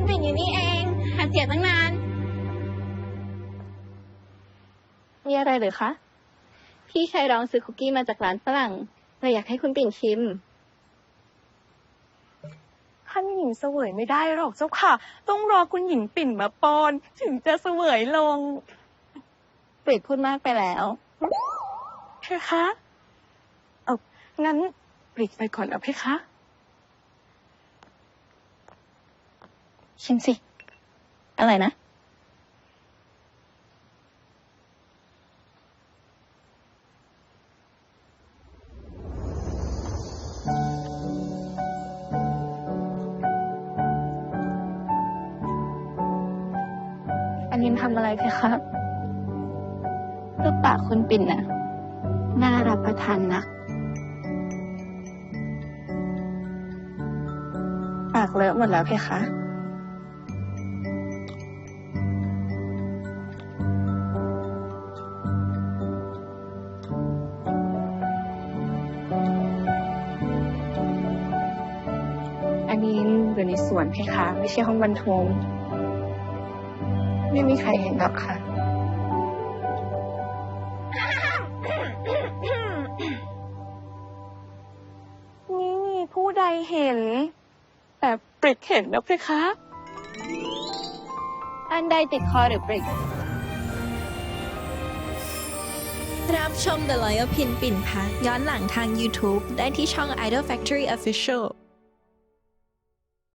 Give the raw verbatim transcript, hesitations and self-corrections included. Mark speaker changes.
Speaker 1: ปิ่นอยู่นี่เองหาเสียตั้งนาน มีอะไรหรือคะ พี่ชายร้องซื้อคุกกี้มาจากร้านฝรั่งเลยอยากให้คุณปิ่นชิม
Speaker 2: ท่านหญิงเสวยไม่ได้หรอกเจ้าค่ะ ต้องรอคุณหญิงปิ่นมาป้อนถึงจะเสวยลง
Speaker 1: ปริดพูดมากไปแล้ว
Speaker 2: เพคะเอางั้นปริดไปก่อนนะเพคะ
Speaker 1: ชิมสิ อะไรนะ อันนี้ทำอะไรเพคะรูปปากคุณปิ่นน่ะ น่ารับประทานนัก ปากเลอะหมดแล้วเพคะ อันนี้อยู่ในสวนเพคะ ไม่ใช่ห้องบรรทม ไม่มีใครเห็นหรอกค่ะ
Speaker 2: นี่มีผู้ใดเห็น แต่ปริดเห็นนะเพคะ
Speaker 1: อันใดติดคอหรือปริก
Speaker 3: รับชม The Loyal Pin ปิ่นพักย้อนหลังทาง YouTube ได้ที่ช่อง Idol Factory Official